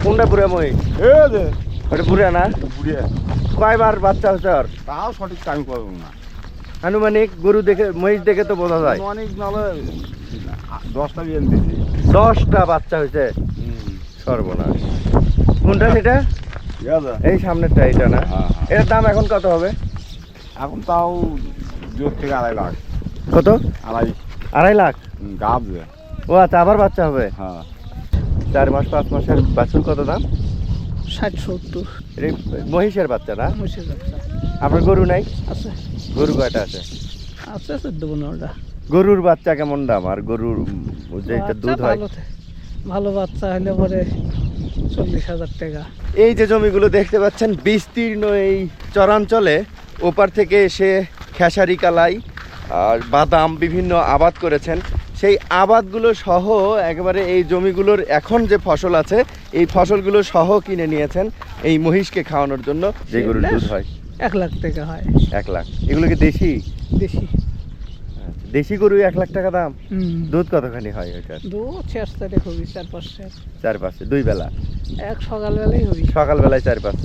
কোনটা বুড়া মহিষ? ওটা বুড়া না? কয়বার বাচ্চা হচ্ছে আর? তাও সঠিক আমি করবো না। আনুমানিক গরু দেখে মহিষ দেখে তো বোঝা যায়। অনেক নাহলে 10টা বিয়ে দিয়েছি। 10টা বাচ্চা হয়েছে, সর্বনাশ। কোনটা সেটা? এই সামনেরটা, এটা না? এটার দাম এখন কত হবে? এখন তাও 2 থেকে 2.5 লাখ। কত? 2.5 লাখ গাব। ও আচ্ছা, আবার বাচ্চা হবে। হ্যাঁ, 4 মাস 5 মাসের বাছুর কত দাম? 60-70 এটা মহিষের বাচ্চা না? মহিষের বাচ্চা আপনার গরু নাই? আছে, গরু কয়টা আছে? আছে 14-15টা। গরুর বাচ্চা কেমন দাম? আর গরুর যেটা দুধ হয়? ভালো বাচ্চা হলে পরে 40,000 টাকা। এই যে জমিগুলো দেখতে পাচ্ছেন বিস্তীর্ণ, এই চরাঞ্চলে ওপার থেকে এসে খেসারি কালাই আর বাদাম বিভিন্ন আবাদ করেছেন। সেই আবাদগুলো সহ একেবারে এই জমিগুলোর এখন যে ফসল আছে এই ফসলগুলো সহ কিনে নিয়েছেন এই মহিষকে খাওয়ানোর জন্য, যে গরুর দুধ হয়। 1 লাখ টাকা হয়। 1 লাখ। এগুলো কি দেশি? দেশি। দেশি গরু 1 লাখ টাকা দাম। দুধ কতখানি হয় ওইটার? দুধ 4-5 হবি, 4-5 4-5, 2 বেলা? এক সকালবেলাই হবি। সকালবেলায় 4-5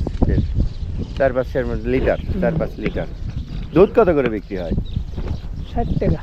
লিটার, 4-5 লিটার। দুধ কত করে বিক্রি হয়? 60 টাকা।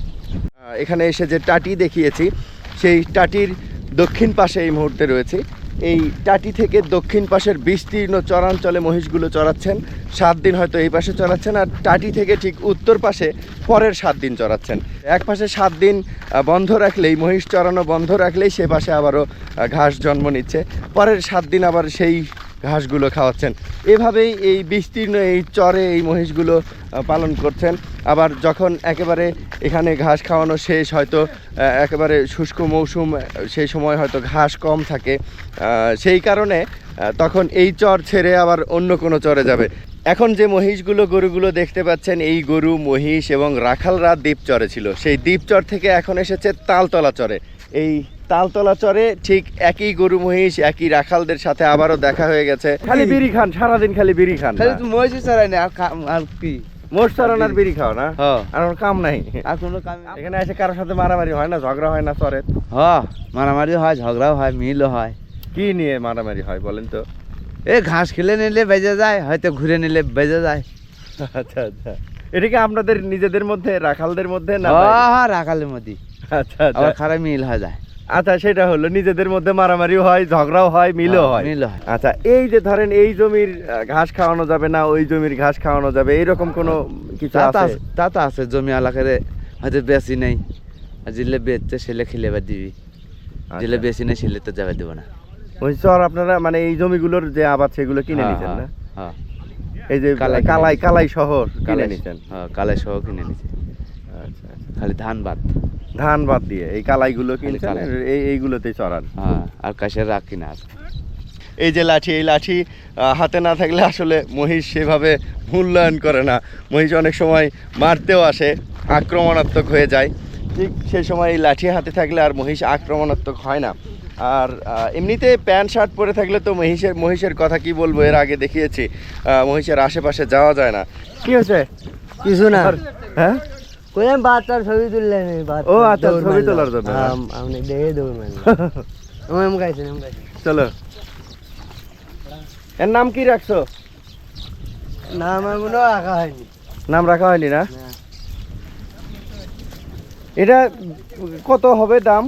এখানে এসে যে টাটি দেখিয়েছি সেই টাটির দক্ষিণ পাশে এই মুহূর্তে রয়েছে। এই টাটি থেকে দক্ষিণ পাশের বিস্তীর্ণ চরাঞ্চলে মহিষগুলো চড়াচ্ছেন। 7 দিন হয়তো এই পাশে চড়াচ্ছেন, আর টাটি থেকে ঠিক উত্তর পাশে পরের 7 দিন চড়াচ্ছেন। এক পাশে 7 দিন বন্ধ রাখলেই, মহিষ চড়ানো বন্ধ রাখলেই সে পাশে আবারও ঘাস জন্ম নিচ্ছে। পরের 7 দিন আবার সেই ঘাসগুলো খাওয়াচ্ছেন। এভাবেই এই বিস্তীর্ণ এই চরে এই মহিষগুলো পালন করছেন। আবার যখন একেবারে এখানে ঘাস খাওয়ানো শেষ, হয়তো একেবারে শুষ্ক মৌসুম, সেই সময় হয়তো ঘাস কম থাকে, সেই কারণে তখন এই চর ছেড়ে আবার অন্য কোনো চরে যাবে। এখন যে মহিষগুলো, গরুগুলো দেখতে পাচ্ছেন, এই গরু, মহিষ এবং রাখালরা দ্বীপচরে ছিল। সেই দ্বীপচর থেকে এখন এসেছে তালতলা চরে। এই তালতলা চরে ঠিক একই গরু মহিষ, একই রাখালদের সাথে আবারও দেখা হয়ে গেছে। খালি বিড়ি খান সারাদিন, খালি বিড়ি খান। মহিষ চড়াই না আর কি? মোষ চড়ানোর বিড়ি খাও না? আর ওর কাম নাই? আর কোনো কাম? এখানে এসে কারোর সাথে মারামারি হয় না, ঝগড়া হয় না চরে? হ্যাঁ, মারামারি হয়, ঝগড়াও হয়, মিলও হয়। কি নিয়ে মারামারি হয় বলেন তো? এই ঘাস খেলে নিলে বেজে যায়, হয়তো ঘুরে নিলে বেজে যায়। আচ্ছা আচ্ছা, এটা কি আপনাদের নিজেদের মধ্যে, রাখালদের মধ্যে না? হ্যাঁ, রাখালের মধ্যে। আচ্ছা আচ্ছা, আবার খারাপ মিল হয়ে যায়। আচ্ছা, সেটা হলো নিজেদের মধ্যে মারামারিও হয়, ঝগড়াও হয়, মিলও হয়। আচ্ছা, এই যে ধরেন এই জমির ঘাস খাওয়ানো যাবে না, ওই জমির ঘাস খাওয়ানো যাবে, এইরকম কোনো কিছু আছে? তা তো আছে, জমি এলাকারে হয়তো বেশি নেই, জিলে বেচছে সেলে খেলে বা দিবি, জিলে বেশি নেই সেলে তো যাবে দেবো না। ওই চর আপনারা মানে এই জমিগুলোর যে আবাদ সেগুলো কিনে নিছেন না? হ্যাঁ, এই যে কালাই সহ কিনে নিছেন? হ্যাঁ, কালাই সহ কিনে নিছে। আচ্ছা, খালি ধান বাদ দিয়ে এই কালাইগুলো কিনছেন, এইগুলোতেই চড়ান? হ্যাঁ, আর কাশের রাখ কিনা আছে। এই যে লাঠি, এই লাঠি হাতে না থাকলে আসলে মহিষ সেভাবে মূল্যায়ন করে না। মহিষ অনেক সময় মারতেও আসে, আক্রমণাত্মক হয়ে যায়। ঠিক সেই সময় এই লাঠি হাতে থাকলে আর মহিষ আক্রমণাত্মক হয় না। আর এমনিতে প্যান্ট শার্ট পরে থাকলে তো মহিষের কথা কি বলবো, এর আগে দেখিয়েছি, মহিষের আশেপাশে যাওয়া যায় না। কি হয়েছে? কিছু না। হ্যাঁ, কইলাম বাচ্চার ছবি তুললেন। ও আচ্ছা, ছবি তোলার জন্য আপনি দেখে দৌড় মারলেন। চলো, এর নাম কি রাখছো? নাম এখনো রাখা হয়নি। নাম রাখা হয়নি না? এটা কত হবে দাম?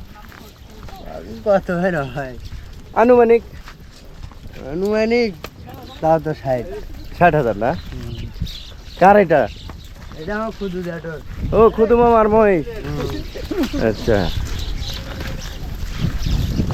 কত হয় আনুমানিক? আনুমানিক তাও তো 60,000 না? কার এটা? এটা আমার খুদু জাটোর। ও, খুদু মামার মহিষ। আচ্ছা,